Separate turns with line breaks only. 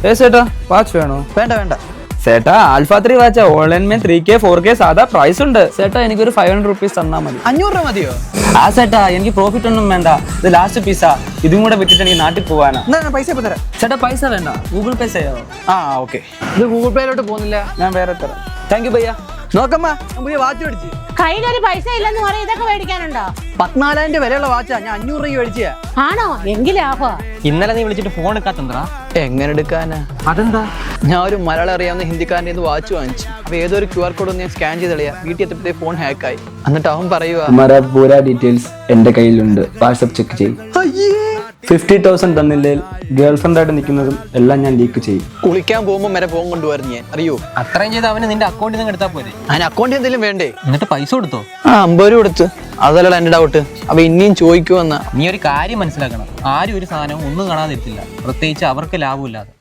ചേട്ടാ വാച്ച് വേണോ?
വേണ്ട വേണ്ട
ചേട്ടാ ആൽഫ 3 വാച്ച് ഓൺലൈൻ में 3K 4K സാധാ പ്രൈസ് ഉണ്ട്. ചേട്ടാ എനിക്കൊരു 500 റുപ്പീസ് തന്നാ മതി.
500 രൂപ മതിയോ?
ആ ചേട്ടാ എനിക്ക് പ്രോഫിറ്റ് ഒന്നും വേണ്ട, ഇത് ലാസ്റ്റ് പീസാ. ഇതും കൂടെ വിറ്റിട്ട് എനിക്ക് നാട്ടിൽ പോവാനാ.
എന്നാ പൈസ ഇപ്പൊ തരാം.
ചേട്ടാ പൈസ വേണ്ട, ഗൂഗിൾ പേ ചെയ്യാവോ?
ഓക്കെ. ഇത് ഗൂഗിൾ പേയിലോട്ട് പോകുന്നില്ല,
ഞാൻ വേറെ തരാം. Thank you ഭയ്യ.
നോക്കമ്മ പുതിയ വാച്ച് മേടിച്ച്.
കയ്യിലൊരു പൈസ ഇല്ലെന്ന് പറയാം, ഇതൊക്കെ മേടിക്കാനുണ്ടോ?
14,000 വിലയുള്ള വാച്ചാ, ഞാൻ 500 രൂപ മേടിച്ചാ.
ആണോ? എങ്കിലാഫാ.
ഇന്നലെ നീ വിളിച്ചിട്ട് ഫോൺ എടുക്കാത്തണ്ടാ?
എങ്ങനെ എടുക്കാനാ?
അതെന്താ?
ഞാൻ ഒരു മലയാളം അറിയാവുന്ന ഹിന്ദിക്കാരൻ്റെ വാച്ച് വാങ്ങിച്ചു. അപ്പൊ ഏതൊരു QR കോഡ് ഞാൻ സ്കാൻ ചെയ്ത് കളയാ, വീട്ടിൽ എത്തിയപ്പോഴത്തെ ഫോൺ ഹാക്കായി. എന്നിട്ട് അവൻ പറയുക,
हमारा पूरा ഡീറ്റെയിൽസ് എന്റെ കയ്യിലുണ്ട്, വാട്സ്ആപ്പ് ചെക്ക് ചെയ്യും. 50,000 തന്നില്ലേ ഗേൾ ഫ്രണ്ട് ആയിട്ട് നിൽക്കുന്നതും എല്ലാം ഞാൻ ലീക്ക് ചെയ്യും.
കുളിക്കാൻ പോകുമ്പോൾ വരെ ഫോൺ കൊണ്ടുവരുന്നു ഞാൻ, അറിയോ?
അത്രയും ചെയ്ത് അവന് നിന്റെ അക്കൗണ്ടിൽ നിന്ന് എടുത്താൽ പോരെ?
അതിന് അക്കൗണ്ടിൽ എന്തെങ്കിലും വേണ്ടേ?
എന്നിട്ട് പൈസ കൊടുത്തോ?
50 രൂപ കൊടുത്ത്. അതല്ല എന്റെ ഡൗട്ട്. അപ്പൊ ഇനിയും ചോദിക്കുമെന്നാ.
നീ ഒരു കാര്യം മനസ്സിലാക്കണം, ആരും ഒരു സാധനവും ഒന്നും കാണാതിരിക്കില്ല, പ്രത്യേകിച്ച് അവർക്ക് ലാഭമില്ലാതെ.